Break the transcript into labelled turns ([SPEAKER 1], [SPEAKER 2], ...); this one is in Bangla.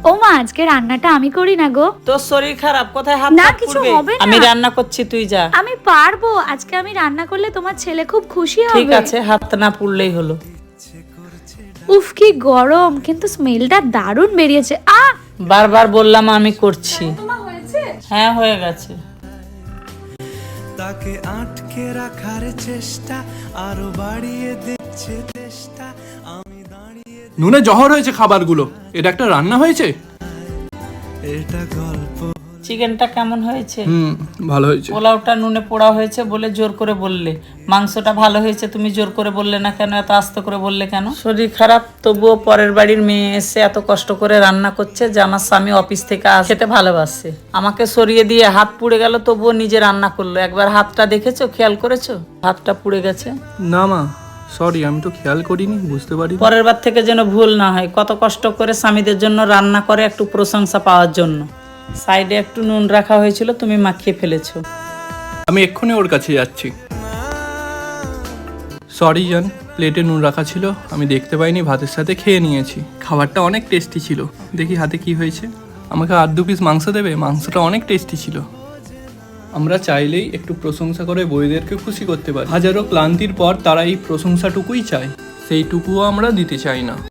[SPEAKER 1] ও মা, আজকে রান্নাটা আমি করি না গো।
[SPEAKER 2] তোর শরীর খারাপ, কোথায় হাত
[SPEAKER 1] না,
[SPEAKER 2] ফাত
[SPEAKER 1] কিছু
[SPEAKER 2] পুড়বে?
[SPEAKER 1] হবে না।
[SPEAKER 2] আমি রান্না করছি, তুই যা।
[SPEAKER 1] আমি পারবো, আজকে আমি রান্না করলে তোমার ছেলে খুব খুশি হবে।
[SPEAKER 2] ঠিক আছে, হাত না পুড়লেই হলো।
[SPEAKER 1] উফ, কি গরম, কিন্তু স্মেলটা দারুণ বেরিয়েছে।
[SPEAKER 2] বারবার বললাম আমি করছি।
[SPEAKER 1] তোমার হয়েছে?
[SPEAKER 2] হ্যাঁ, হয়ে গেছে।
[SPEAKER 3] তাকে আটকে রাখার চেষ্টা আরো বাড়িয়ে দিচ্ছে চেষ্টা, আমি দাঁড়িয়ে
[SPEAKER 4] নুনে জহর হয়েছে খাবারগুলো, এটা একটা রান্না হয়েছে?
[SPEAKER 3] এটা গল্প।
[SPEAKER 2] চিকেনটা কেমন হয়েছে?
[SPEAKER 4] ভালো হয়েছে।
[SPEAKER 2] পোলাওটা নুনে পোড়া হয়েছে বলে জোর করে বললে। মাংসটা ভালো হয়েছে, তুমি জোর করে বললে না কেন? এত আস্তে করে বললে কেন? শরীর খারাপ তবুও পরের বাড়ির মেয়ে এসে এত কষ্ট করে রান্না করছে যে আমার স্বামী অফিস থেকে খেতে ভালোবাসে। আমাকে সরিয়ে দিয়ে হাত পুড়ে গেল, তবুও নিজে রান্না করলো। একবার হাতটা দেখেছো, খেয়াল করেছো? হাতটা পুড়ে গেছে।
[SPEAKER 4] না মা, সরি, আমি তো খেয়াল করিনি, বুঝতে পারি।
[SPEAKER 2] পরের বার থেকে যেন ভুল না হয়। কত কষ্ট করে স্বামীদের জন্য রান্না করে একটু প্রশংসা পাওয়ার জন্য। সাইডে একটু নুন রাখা হয়েছিল, তুমি মাখিয়ে ফেলেছো।
[SPEAKER 4] আমি এক্ষুনি ওর কাছে যাচ্ছি। সরি জান, প্লেটে নুন রাখা ছিল, আমি দেখতে পাইনি, ভাতের সাথে খেয়ে নিয়েছি। খাবারটা অনেক টেস্টি ছিল। দেখি হাতে কি হয়েছে। আমাকে আর 2 পিস মাংস দেবে? মাংসটা অনেক টেস্টি ছিল। আমরা চাইলেই একটু প্রশংসা করে বউদেরকে খুশি করতে পারি। হাজারো ক্লান্তির পর তারা এই প্রশংসাটুকুই চায়, সেইটুকুও আমরা দিতে চাই না।